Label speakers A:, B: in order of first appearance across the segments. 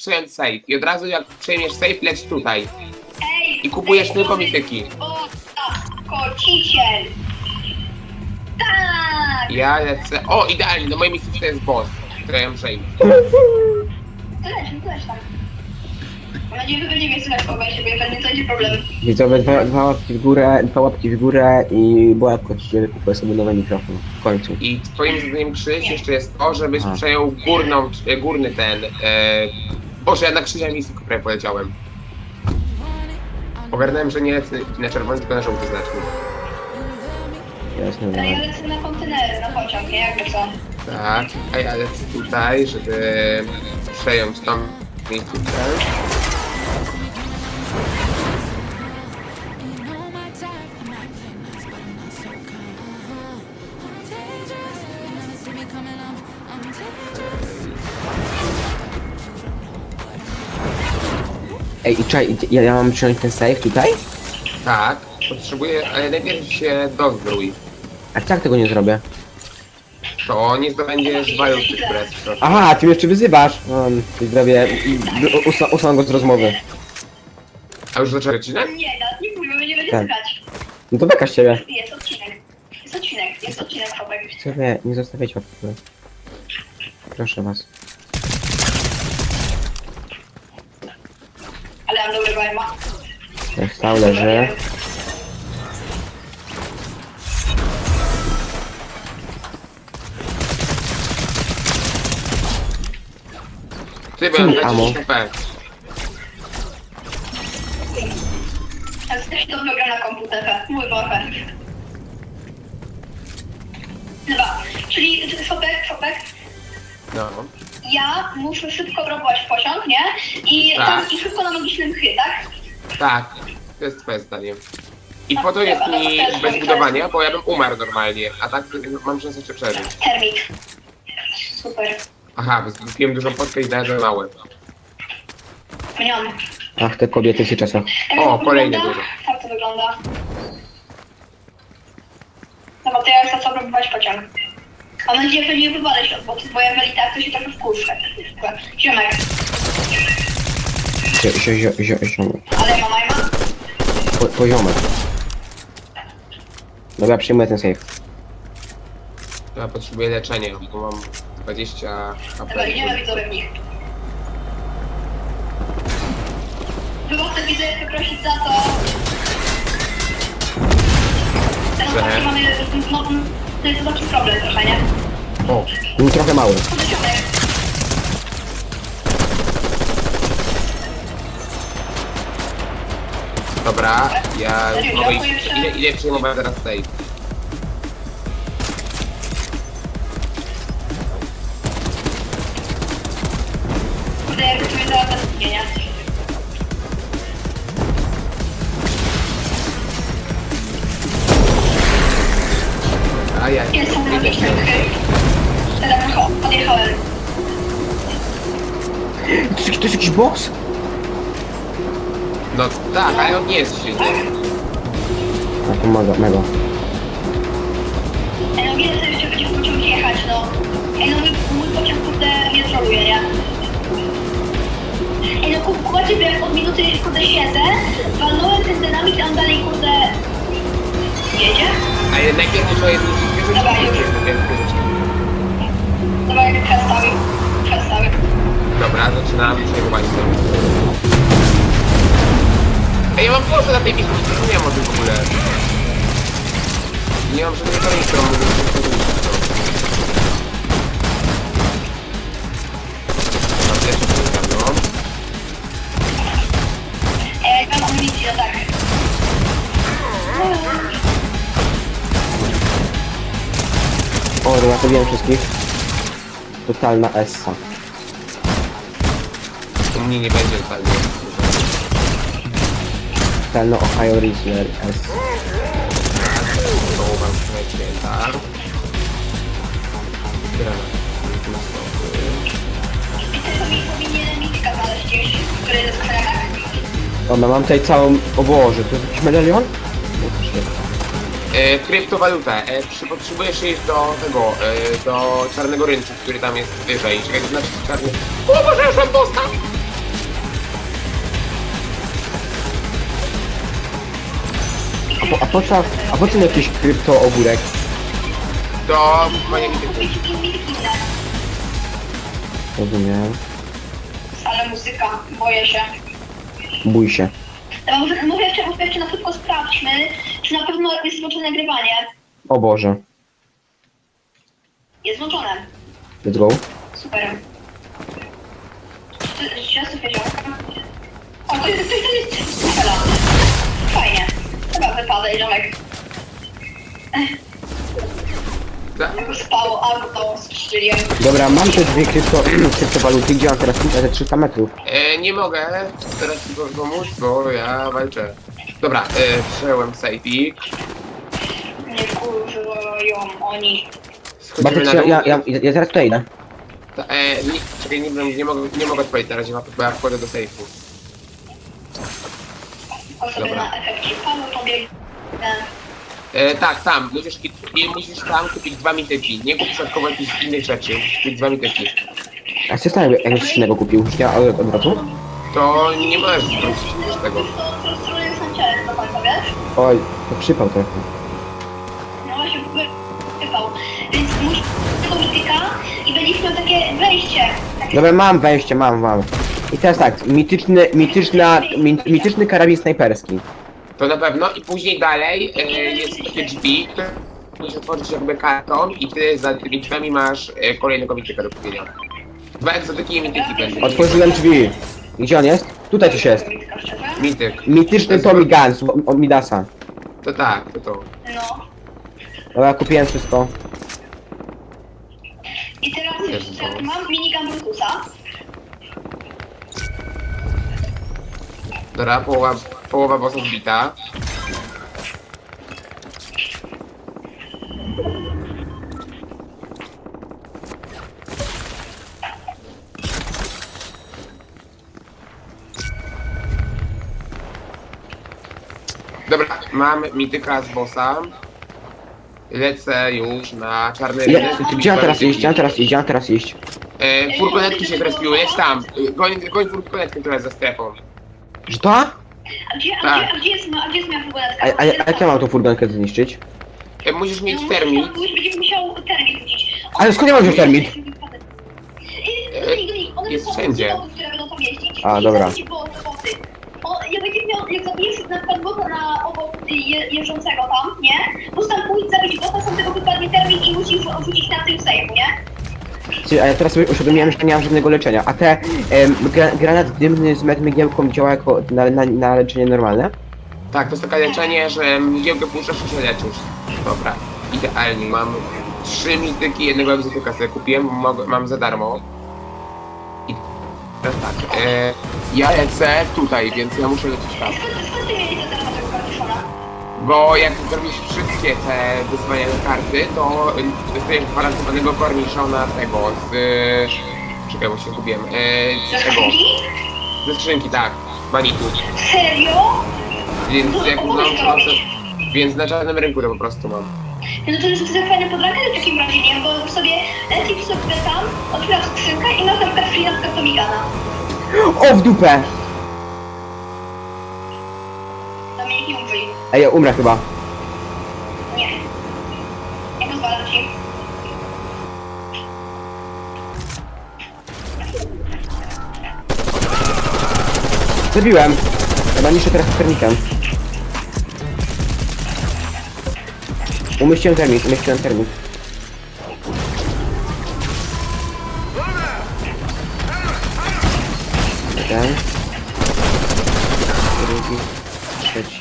A: przejąć safe. I od razu jak przejmiesz safe, leć tutaj.
B: Ej,
A: I kupujesz
B: ej,
A: tylko
B: dobry.
A: mityki.
B: O, tak, kociciel. Tak.
A: Ja lecę... O, idealnie, do mojej misji to jest boss, który ja przejmę.
B: To leć tam. Mam nadzieję, że będzie mnie słychać po siebie, pewnie to będzie problem.
C: Widzowie, dwa łapki w górę i Boja Kociciel kupuję sobie nowy mikrofon. W końcu.
A: I twoim zadaniem, Krzyś, jeszcze jest to, żebyś
C: Aha.
A: przejął górny ten... Boże, ja na Krzysia misji prawie poleciałem. Ogarnąłem, że nie lecę na czerwony, tylko na żółty znacznik.
C: Jasne,
B: Ale ja
C: dobra.
B: lecę na kontenery, na pociąg, nie? Jakby co.
A: Tak, a ja lecę tutaj, żeby przejąć tą miejscówkę.
C: Ej, i czekaj, ja mam przyjąć ten safe tutaj?
A: Tak, potrzebuję, ale najpierw się dozbrój.
C: A jak tego nie zrobię?
A: To nie zdobędziesz walut express.
C: Aha, ty mnie jeszcze wyzywasz! Widzowie, usunę go z rozmowy.
A: A już zacząłeś odcinek?
B: Nie, nawet nie mówię, będziemy
C: Tak.
B: dyskać.
C: No to beka z ciebie.
B: Jest odcinek, chłopak.
C: Widzowie, nie zostawiajcie łapki w górę. Proszę was.
B: Ale mam dobry vibe'a.
C: Jak stał leży.
A: Ty byłem
C: Amo.
A: 10 HP.
B: Ale też dobrze gra na komputerze. Mój boże. Dobra, czyli Fopek,
A: No.
B: ja muszę szybko próbować w pociąg, nie? I
A: Tak.
B: tam i szybko na magicznym chy, tak?
A: Tak, to jest twoje zdanie. I po to jest mi bez budowania, bo ja bym umarł normalnie, a tak mam szansę jeszcze przeżyć.
B: Termik. Super.
A: Aha, zgubiłem dużą potkę i dałem małe.
B: Mniam.
C: Ach, te kobiety w tych czasach.
A: O, kolejne dużo.
B: Tak to wygląda. Dobra, to ja chcę co próbować pociąg. Mam nadzieję, że nie wywalę się od boku, bo jeżeli tak, to się trochę wkurzę. Ziomek.
C: Ziomek.
B: Ale mama i ma.
C: Poziomek. Dobra, przyjmuję ten safe.
A: Ja potrzebuję leczenia, bo mam 20
B: Dobra,
A: HP.
B: idziemy widzowie w nich. Wybawcę widzę prosić za to. Ten
A: Że?
B: taki mamy, no, to jest taki problem trochę, nie?
A: O,
C: Był trochę mały.
B: Podeciągaj.
A: dobra, ja mogę iść, idę przyjmować teraz save.
B: Kurde, jakby tu mnie dała bez istnienia.
A: A ja
B: Jest
A: idę
B: magiczny
A: się.
B: chy. Teraz odjechałem.
C: To jest jakiś boss?
A: No tak, ale on nie jest silny.
C: A to mega.
B: Ej, no wiele sobie jeszcze będzie w pociąg jechać, no. Ej, no mój pociąg, kurde, mnie troluje, nie? Ej, no kumacie, że jak od minuty, kurde, siedzę, walnąłem ten dynamit, a on dalej, kurde, jedzie?
A: Ale najpierw muszę jedną rzecz
B: Dobra, już. Dobra, jak przestawię.
A: Dobra, zaczynam przejmowanie sobie. Ej, ja mam połowę na tej misji, nie wiem o tym w ogóle. Nie mam żadnej informacji, którą mogę zrobić. Mam pierwszy program, no.
B: Ej, mam amunicję, no tak.
C: O, dobra, to wiem wszystkich. Totalna essa.
A: U mnie nie będzie totalnie.
C: Totalna Ohio Rizzler S.
A: Połowam słuchajcie, tak. Granat.
B: I też powinienem mitka znaleźć gdzieś, który jest w krakach.
C: Dobra, mam tutaj całą... O Boże, to jest jakiś medalion?
A: Kryptowaluta. Potrzebujesz iść do tego, do czarnego rynku, który tam jest wyżej. Czekaj, to znaczy czarny... O Boże, już mam dostał!
C: a po co mi jakiś krypto ogórek?
A: To moje mityki.
B: Kupić inne.
C: Rozumiem.
B: Ale muzyka, boję się.
C: Bój się.
B: Ale może jeszcze na szybko sprawdźmy, czy na pewno jest włączone nagrywanie.
C: O Boże.
B: Jest włączone.
C: Let's go.
B: Super. Czy wiedział? O, to jest strzela. Fajnie. Chyba wypadaj, ziomek. Spało auto, strzeliłem.
C: Dobra, mam te dwie kryptowaluty, gdzie mam teraz te 300 metrów.
A: Nie mogę teraz tylko pomóc, bo ja walczę. Dobra, przejąłem safeik.
B: Nie kurwają oni.
A: Schodzimy na
C: Bartek,
A: dół.
C: ja zaraz tutaj idę.
A: Czekaj, nie mogę odpowiedzieć na razie, bo ja wchodzę do safe'u.
B: O sobie
A: Dobra.
B: na efekcie panu pobiegnę.
A: Tak, tam, musisz tam kupić 2 mityki. Nie kup środkowo jakichś innych rzeczy, kupić 2 mityki.
C: A co stanie, jakby coś innego kupił? Ja od razu?
A: To nie możesz wrócić z tego.
B: To strony jest na ciele do końca, wiesz?
C: Oj, to przypał trochę.
B: No właśnie, wypał. Więc musisz tego mityka i będziesz miał takie wejście.
C: Dobra, mam wejście, mam. I teraz tak, mityczny karabin snajperski.
A: To na pewno i później dalej jest takie drzwi, które musisz otworzyć jakby karton i ty za tymi drzwiami masz kolejnego mityka do kupienia. 2 egzotyki i mityki będzie.
C: Otworzyłem drzwi. Gdzie on jest? Tutaj coś jest.
B: Mityka, szczerze?
A: Mityk.
C: Mityczny Tommy Guns od Midasa.
A: To tak, to.
B: No.
C: Dobra, kupiłem wszystko.
B: I teraz
A: Jezu,
B: jeszcze
A: to-
B: mam minigun Brutusa.
A: Dobra, połowa bossa zbita. Dobra, mam mityka z bossa. Lecę już na czarny rynek.
C: Gdzie mam teraz iść?
A: Furgonetki się zrespiły, jedź tam. Goń furgonetkę, która jest za strefą.
C: Że to?
B: A gdzie jest moja furgonetka?
C: A jak ja mam tą furgonkę zniszczyć?
A: Musisz mieć termit.
B: Będziesz musiał termit rzucić.
C: Ale skąd ja mam wziąć termit?
A: Jest wszędzie.
B: Które będą tam jeździć.
C: A, dobra.
B: Jak będziesz miał, jak zabijesz na przykład bota na obok jeżdżącego tam, nie? Musisz tam pójść, zabić bota, sam tego wypadnie termin i musisz rzucić na tym sejmu, nie?
C: Ty, a ja teraz sobie uświadomiłem, że nie mam żadnego leczenia. A te granat dymny z mgiełką działa jako na leczenie normalne?
A: Tak, to jest takie leczenie, że mgiełkę puszczasz i się leczysz. Dobra, idealnie. Mam 3 mityki, jednego egzotyka sobie kupiłem, mam za darmo. I teraz tak, ja lecę tutaj, więc ja muszę lecieć tam.
B: Skąd ty mieli to teraz tego kartuszona?
A: Bo jak zrobisz wszystkie te wyzwania na karty, to dostajesz gwarantowanego korniszona tego z... Czekaj, bo się zgubiłem.
B: Ze
A: Z tego.
B: skrzynki?
A: Ze skrzynki, tak. Manitu.
B: Serio?
A: Więc jak więc na czarnym rynku to po prostu mam.
B: No to jest fajne podrankę w takim razie, nie? Bo sobie lecisz sobie tam, otwierasz skrzynkę i masz na przykład free na przykład Tomigana.
C: O, w dupę!
B: Na mnie nie umrzyj.
C: Ej, ja umrę chyba.
B: Nie. Nie pozwalam ci.
C: Zabiłem. Chyba niszczę teraz termitem. Umieściłem termit. Jeden. Drugi. Trzeci.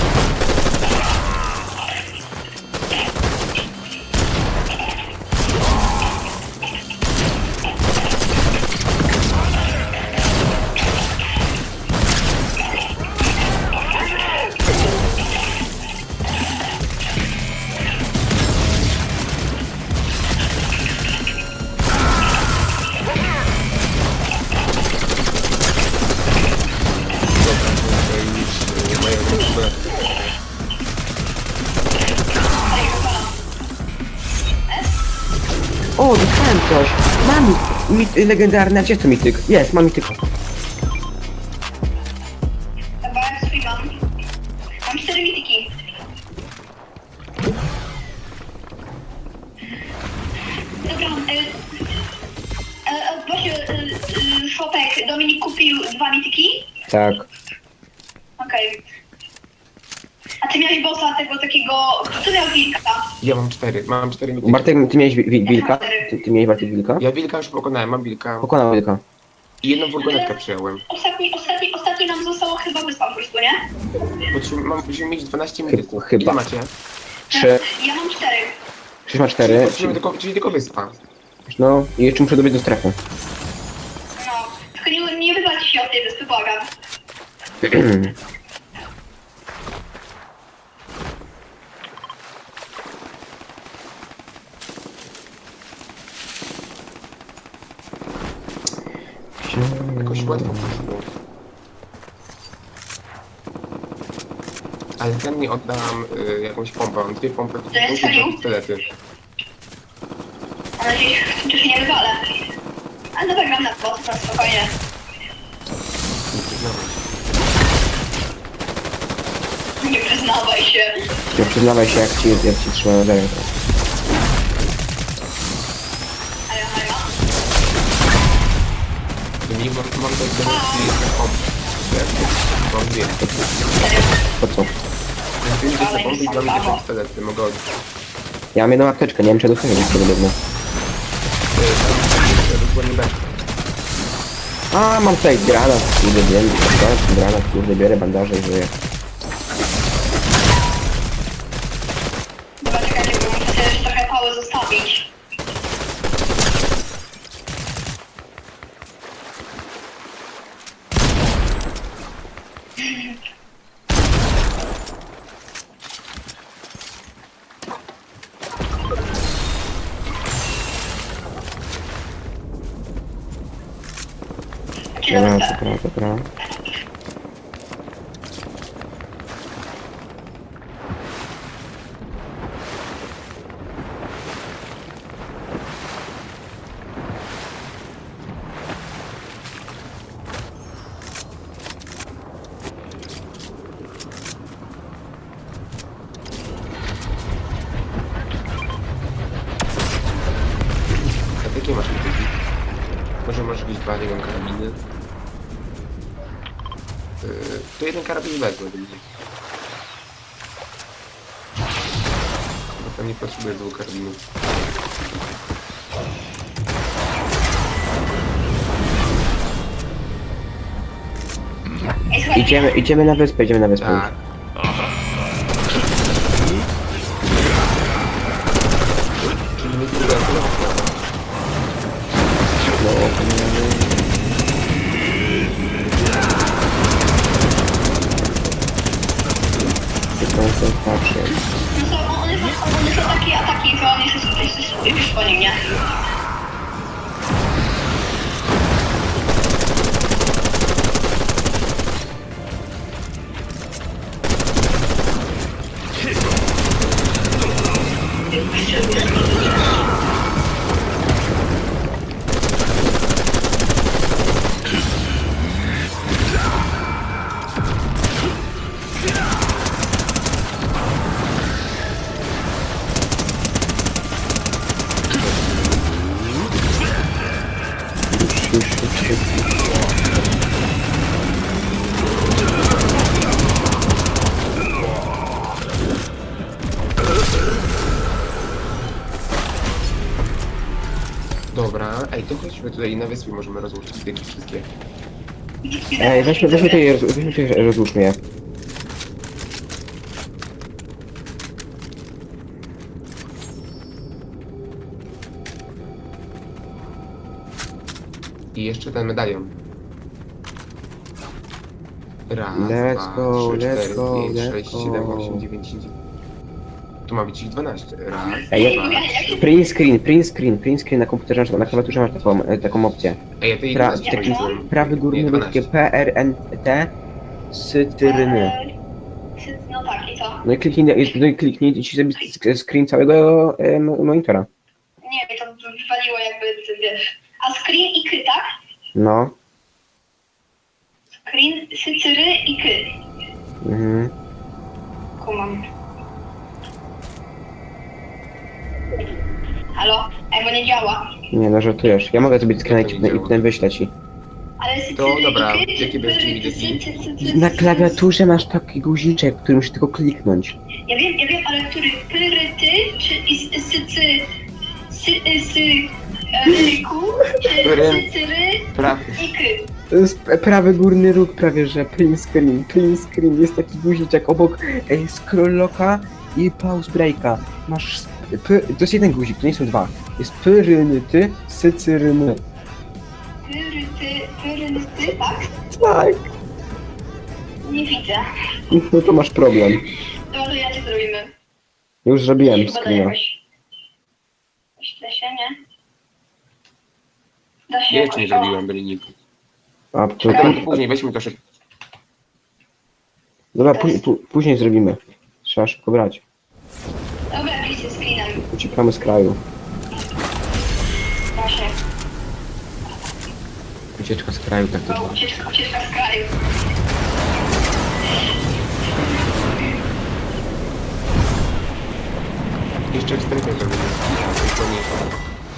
C: O, dostałem coś. Mam legendarny, a gdzie to mityk? Jest, mam mityk.
B: Chyba jak swój mam. Mam 4 mityki. przepraszam. Właśnie, Szopek, Dominik kupił 2 mityki?
C: Tak.
B: Okej. A ty miałeś bossa tego takiego... Kto miał wilka?
A: Ja mam 4, mam 4 mityki.
C: Bartek, ty miałeś wilka? Ty miałeś Bartek wilka?
A: Ja wilka już pokonałem, mam wilka.
C: Pokonał wilka.
A: I jedną furgonetkę przyjąłem.
B: Ostatni nam zostało chyba wyspa po prostu, nie?
A: Musimy mieć 12 mityków.
C: Chyba.
A: Ile macie?
C: 3.
B: Ja mam 4.
C: Krzyż ma 4.
A: Czyli tylko wyspa.
C: No i jeszcze muszę dobiec do strefy.
B: No. Tylko nie wywalcie się od tej wyspy, błagam.
A: Jakoś łatwo poszło. Ale chętnie oddam jakąś pompę. Mam 2 pompy,
B: To jest serio?
A: pistolety.
B: Mam nadzieję, że się nie wywalę. Ale dobra, gram na bossa, spokojnie. Nie przyznawaj się.
C: Nie przyznawaj się, jak ci trzymałem za rękę.
B: Haja, haja.
A: Nie mam do pompy. Mam 2.
B: Serio.
C: Po co?
A: Mam 2 pompy i mam 2 pistolety. Mogę oddać.
C: Ja mam jedną apteczkę, nie wiem czy ja dostanę nic podobno.
A: Dokładnie tak.
C: A, mam tutaj granat, kurde, wiem, granat, kurde, biorę bandaże i żyję.
B: Dobra, czekajcie, bo muszę sobie jeszcze trochę pały zostawić. Dzień
C: Dobra,
B: dobry.
C: dobra.
A: A jakie masz mityki? Może masz jakieś 2 karabiny? To jeden karabin wezmę do mnie. Bo tam nie potrzebuję 2 karabinów.
B: Ej, słuchaj,
C: Idziemy na wyspę,
A: Tak. Czyli nie tyle
C: No, koncentracja.
B: no co, one są takie ataki, że on jest już po nim, nie?
A: Dobra, ej, to chodźmy tutaj na wyspie, możemy rozłożyć te wszystkie.
C: Ej, weźmy tutaj, rozłóżmy je.
A: I jeszcze ten medalion. Raz,
C: Let's
A: dwa,
C: go,
A: trzy,
C: let's
A: cztery,
C: go,
A: pięć,
C: let's
A: sześć,
C: go.
A: 7, 8, 9, 10. Tu ma być ich 12. Raz,
C: Ej,
A: dwa.
C: print screen na komputerze, na klawiaturze masz taką opcję.
A: Ej, ja tej
C: Pra-
A: 11
C: taki
A: wziąłem.
C: Prawy górny
A: Nie,
C: był takie
A: 12.
C: PRNT cytryny.
B: No tak, i co?
C: No i kliknij i ci zrobi screen całego monitora.
B: Nie, to wywaliło jakby, wiesz. A screen i ky, tak?
C: No.
B: Screen, sycyry i ky.
C: Mhm.
B: Kumam. Halo? Ej, bo nie działa.
C: Nie, no żartujesz. Ja mogę zrobić screena i potem wyślę ci.
B: Ale
A: To dobra, jakie będziecie widoki?
C: Na klawiaturze masz taki guziczek, który musisz tylko kliknąć.
B: Ja wiem, ale który? Pyryty, czy ryku, czy cyry
A: Prawy.
B: i ky?
C: To jest prawy górny róg prawie, że print screen. Print screen jest taki guziczek obok scroll locka i pause breaka. Masz... To jest jeden guzik, to nie są dwa. Jest pyrynyty, sycyryny.
B: Pyryty, tak?
C: Tak.
B: Nie widzę.
C: No to masz problem.
B: To może ja cię zrobimy.
C: Już zrobiłem
B: Chyba da
C: screena.
B: jakoś. Da się, nie? Da się
A: Nie,
B: jakoś.
A: czy nie
B: O.
A: zrobiłem, byli nikt.
C: A, to,
A: Dobra, to później, weźmy to szybko.
C: dobra, później zrobimy. Trzeba szybko brać.
B: Dobra, piszcie screenem.
C: Uciekamy z kraju.
B: Właśnie.
C: Ucieczka z kraju tak
B: To ucieczka z kraju.
A: Jeszcze 4 zrobimy. To nie jest.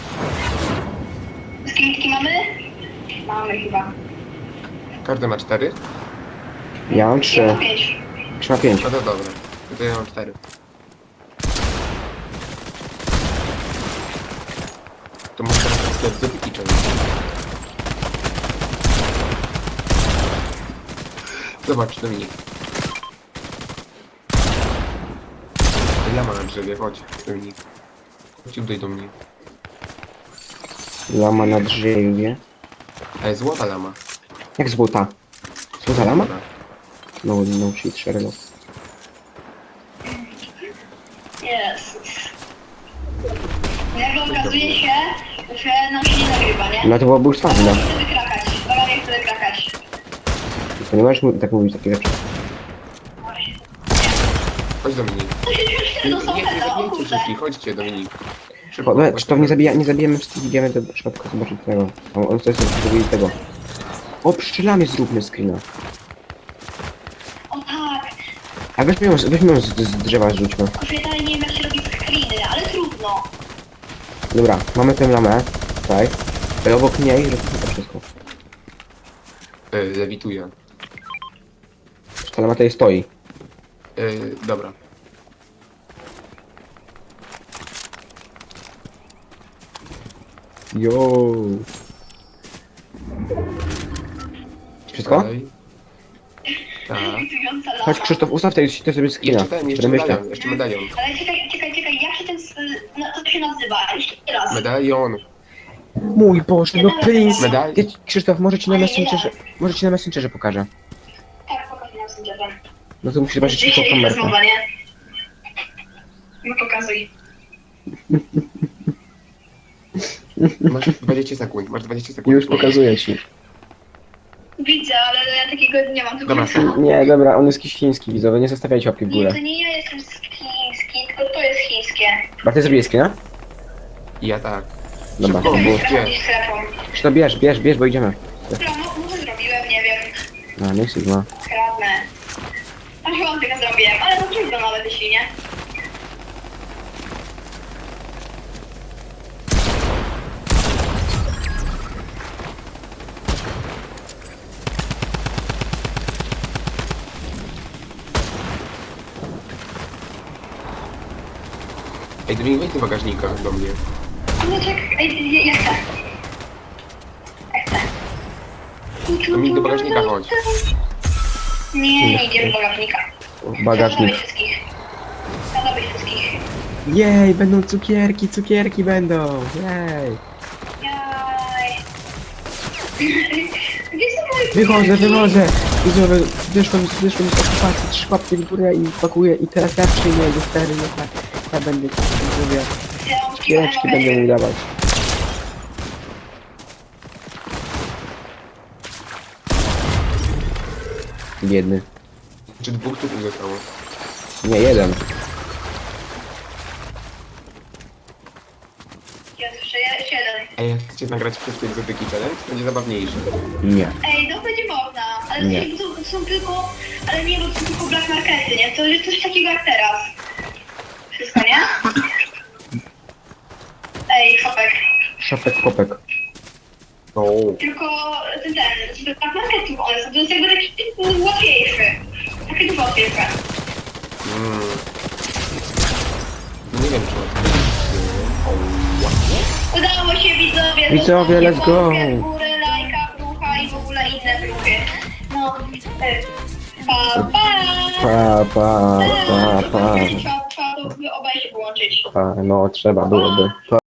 B: Screenki mamy? Mamy chyba.
A: Każdy ma 4?
C: Ja mam
B: Ja
C: 3.
B: mam 5.
C: 3 na 5.
A: No to dobra. To ja mam 4. To może teraz sklep z Kitchen. Zobacz, Dominik. Lama na drzewie, chodź, Dominik. Chodź tutaj do mnie.
C: Lama na drzewie.
A: Ale złota lama.
C: Jak złota? Złota lama?
A: Dobra.
C: No shit, Sherlock.
B: Jezus. Nagle okazuje się, że nam się nie nagrywa, nie?
C: No to byłoby już
B: Baga
C: twarde.
B: nie chce wykrakać. Baga nie chce wykrakać.
C: To nie możesz tak mówić takie rzeczy.
A: Chodź Dominik.
B: To się już
A: Nie,
B: to są
A: nie,
B: te, o
A: zabijajcie
B: kurde.
A: wszystkich, chodźcie Dominik.
C: Czy to nie zabijemy, czy idziemy do środka zobaczyć tego. On chce sobie zrobić tego. O, pszczelami zróbmy screena.
B: O tak.
C: A weźmy ją z drzewa zrzućmy.
B: Kurczę, ja dalej nie wiem jak się robi screeny, ale trudno.
C: Dobra, mamy tę lamę. Tutaj. Ale obok niej robimy to wszystko.
A: Lewituję.
C: Ta lama tutaj stoi.
A: Dobra.
C: Jo. Wszystko?
A: Dalej. Tak.
B: Lewitująca lama.
C: Chodź Krzysztof, ustaw tutaj sobie screena.
A: Jeszcze ten, jeszcze
C: Będę myślał.
A: medalion, jeszcze medalion.
B: Ale czekaj, jak się ten... No, to się nazywa? Jeszcze raz.
A: Medalion.
C: Mój Boże, no please.
A: Medal.
C: Krzysztof, może ci na Messengerze pokażę.
B: Tak, pokazuj nam sędziowem.
C: No to musisz zobaczyć tylko
B: Dzisiaj
C: kamerkę.
B: rozmowa, nie? No pokazuj.
A: Masz 20 sekund, masz 20 sekund.
C: Już pokazuję ci.
B: Widzę, ale ja takiego nie mam, tylko
A: Dobra.
B: że-
C: Nie, dobra, on jest jakiś chiński, widzowie, nie zostawiajcie łapki w
B: Nie,
C: górę.
B: to nie ja jestem chiński, tylko to jest chińskie.
C: A ty zrobiłeś screena?
A: Ja tak.
C: Dobra,
A: Szybko,
C: to było.
A: gdzie?
B: Gdzieś strefą.
C: Krzysztof, bierz, bo idziemy.
B: Dobra, może zrobiłem, nie wiem.
C: No, nie Sigma.
B: Kradnę. A chyba tego zrobiłem, ale to trudno nawet jeśli nie.
A: Ej, Dominik, wejdź do bagażnika do mnie.
B: No czekaj, ej, ja chcę. Ja chcę.
A: Dominik, do bagażnika chodź.
B: Nie idziemy do bagażnika.
C: Bagażnik.
B: Zabrać wszystkich. Zabrać wszystkich.
C: Jej, będą cukierki będą. Jej.
B: Jaj. Gdzie są moje
C: Wychodzę. Widzowie, wyszłem z okupacji, 3 łapki w górę i pakuję. I teraz ja przyjmę do stery, ja będę, widzowie, cukiereczki będę mu dawać. Biedny.
A: Czy 2 tu zostało?
C: Nie, jeden.
B: Jest jeszcze jeden.
A: Ej, jak chcecie nagrać wszystkie egzotyki challenge, to będzie zabawniejsze.
C: Nie.
B: Ej, to będzie można, ale
C: Nie.
B: to są tylko, ale nie, bo to są tylko black markety, nie? To jest coś takiego jak teraz. Wszystko, nie?
C: Szopek, kopek.
A: No.
B: Tylko ten tak marketing one są, to jest jakby taki łatwiejszy. Takie dużo łatwiejsze.
A: Nie wiem, czy
B: Udało się widzowie.
C: Widzowie,
B: zostawcie
C: let's go.
B: łapkę w górę, lajka, brucha i w ogóle inne bruchy. No, pa, pa.
C: Pa.
B: Trzeba to obaj się połączyć.
C: No, trzeba byłoby.